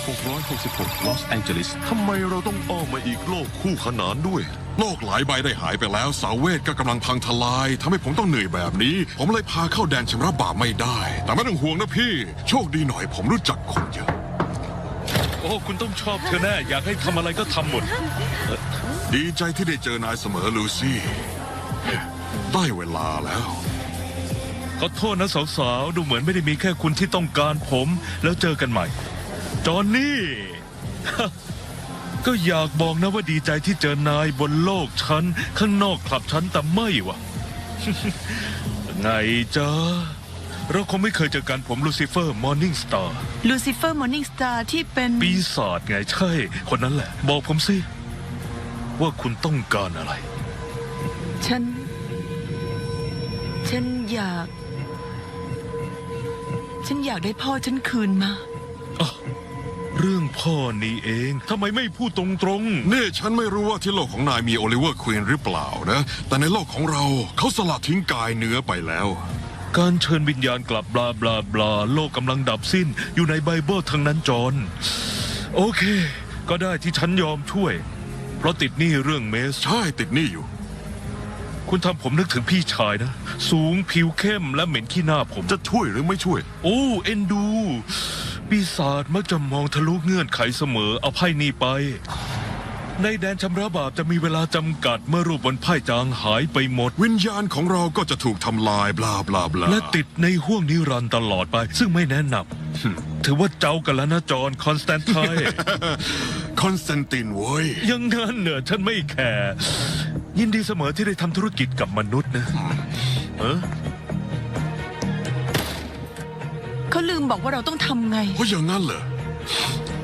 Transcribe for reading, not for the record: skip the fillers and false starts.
666 ลอสแองเจลิสทำไมเราต้องอ้อมมาอีกโลกคู่ขนานด้วย โลกหลายใบได้หายไปแล้วสาวเวทก็กำลังพังทลายทำให้ผมต้องเหนื่อยแบบนี้ ผมเลยพาเข้าแดนชำระบาปไม่ได้ แต่ไม่ต้องห่วงนะพี่ โชคดีหน่อยผมรู้จักคนเยอะโอ้ คุณต้องชอบเธอแน่ อยากให้ทำอะไรก็ทำหมดดีใจที่ได้เจอนายเสมอลูซี่ ได้เวลาแล้วขอโทษนะสาวๆ ดูเหมือนไม่ได้มีแค่คุณที่ต้องการผม แล้วเจอกันใหม่ จอห์นนี่ ก็อยากบอกนะว่าดีใจที่เจอนายบนโลกฉัน ข้างนอกคลับฉันแต่ไม่วะ ไงจ๊ะ เราคงไม่เคยเจอกันผมลูซิเฟอร์มอร์นิ่งสตาร์ลูซิเฟอร์มอร์นิ่งสตาร์ที่เป็นปีศาจไงใช่ คนนั้นแหละ บอกผมสิ ว่าคุณต้องการอะไรฉันอยากได้พ่อฉันคืนมาเรื่องพ่อนี่เองทำไมไม่พูดตรงๆนี่ฉันไม่รู้ว่าที่โลกของนายมีโอลิเวอร์ควีนหรือเปล่านะ แต่ในโลกของเราเขาสละทิ้งกายเนื้อไปแล้วการเชิญวิญญาณกลับบลาบลาบลาโลกกำลังดับสิ้นอยู่ในไบเบิลทั้งนั้นจอห์นโอเค ก็ได้ที่ฉันยอมช่วย เพราะติดหนี้เรื่องเมสใช่ติดหนี้อยู่คุณทำผมนึกถึงพี่ชายนะ สูงผิวเข้มและเหม็นขี้หน้าผมจะช่วยหรือไม่ช่วยโอ้เอ็นดู ปีศาจมักจะมองทะลุเงื่อนไขเสมอเอาไพ่นี้ไป ในแดนชำระบาปจะมีเวลาจำกัดเมื่อรูปบนไพ่จางหายไปหมดวิญญาณของเราก็จะถูกทำลายบลาบลาบลาและติดในห้วงนิรันดร์ตลอดไป ซึ่งไม่แนะนำถือว่าเจ้ากันแล้วนะจอห์นคอนสแตนไทน์คอนสแตนตินเว้ยยังงั้นเนอะฉันไม่แคร์ยินดีเสมอที่ได้ทำธุรกิจกับมนุษย์นะเออเขาลืมบอกว่าเราต้องทำไงเพราะอย่างนั้นเหรอ